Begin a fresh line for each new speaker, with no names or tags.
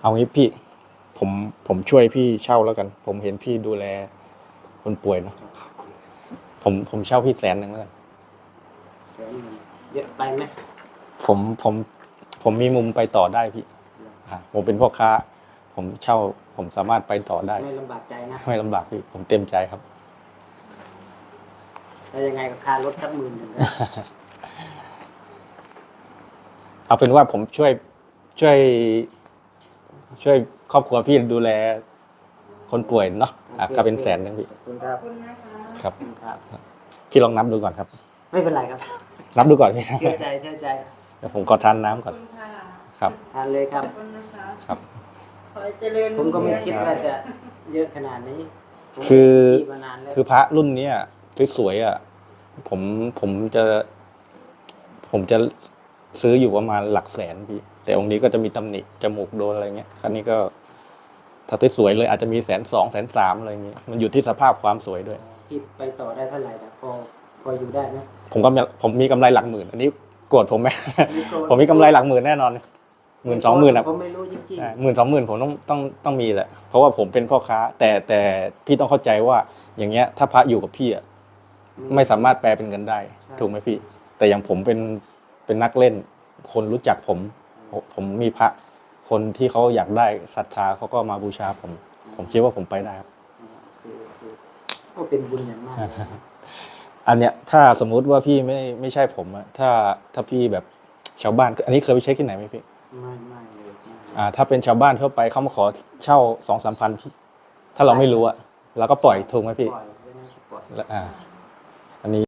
เอางี้พี่ผมผมช่วยพี่เช่าแล้วกัน ผมเห็นพี่ดูแลคนป่วยเนาะผมเช่าพี่100,000แล้วกัน
100,000เยอะไปไหม
ผมผมผมมีมุมไปต่อได้พี่ผมเป็นพ่อค้า ผมเช่า ผมสามารถไปต่อได้
ไม่ลำบากใจนะ
ไม่ลำบากพี่ผมเต็มใจครับ
แล้วยังไงกับค่ารถสัก10,000ก็
เอาเป็นว่าผมช่วยช่วยครอบครัวพี่ดูแลคนป่วยเนาะก็เป็น100,000พี่
ขอบคุณครับ
ครับ
ครับ
พี่ลองนับดูก่อนครับ
ไม่เป็นไรครับ
นับดูก่อนพี่
เชื่อใจเชื่อใจ
เดี๋ยวผมขอทานน้ำก่อนครับ
ทานเลยครับ
ครับ
ขอให้เจริญ
ผมก็ไม่คิดว่าจะเยอะขนาดนี้ผม
คือ
มีมานานแล้ว
คือพระรุ่นเนี้ยสวยๆอ่ะผมผมจะซื้ออยู่ประมาณหลักแสนพี่แต่องค์นี้ก็จะมีตำหนิจมูกโดนอะไรเงี้ยครั้นี้ก็ถ้าสวยๆเลยอาจจะมี120,000 130,000อะไรเงี้ยมันอยู่ที่สภาพความสวยด้วย
พี่ไปต่อได้เท่าไหร่นะพออยู่ได้ไหม
ผมมีกำไรหลักหมื่นอันนี้โกรธผมไหม
ไม่โกรธ
ผมมีกำไรหลักหมื่นแน่นอน10,000-20,000อ่ะ
ผมไม่รู้จริง
10,000-20,000ผมต้องมีแหละเพราะว่าผมเป็นพ่อค้าแต่พี่ต้องเข้าใจว่าอย่างเงี้ยถ้าพระอยู่กับพี่อ่ะ
ๆ
ไม่สามารถแปลเป็นเงินได้
ใช่
ถูกไหมพี่ แต่อย่างผมเป็นนักเล่น คนรู้จักผมมีพระคนที่เขาอยากได้ศรัทธาเขาก็มาบูชาผมคิดว่าผมไปได้ครับ
คือก็เป็นบุญอย่างมากเลย
อันเนี้ยถ้าสมมุติว่าพี่ไม่ใช่ผมอะถ้าพี่แบบชาวบ้านอันนี้เคยไปเช็คที่ไหนไหมพี่
ไม่เลยไม่
ถ้าเป็นชาวบ้านทั่วไปเขามาขอเช่า2-3 พันพี่ถ้าเราไม่รู้อะเราก็ปล่อยถูกไหมพี่
ปล่อยไม่น่าจะปล่อย
แล้วอันนี้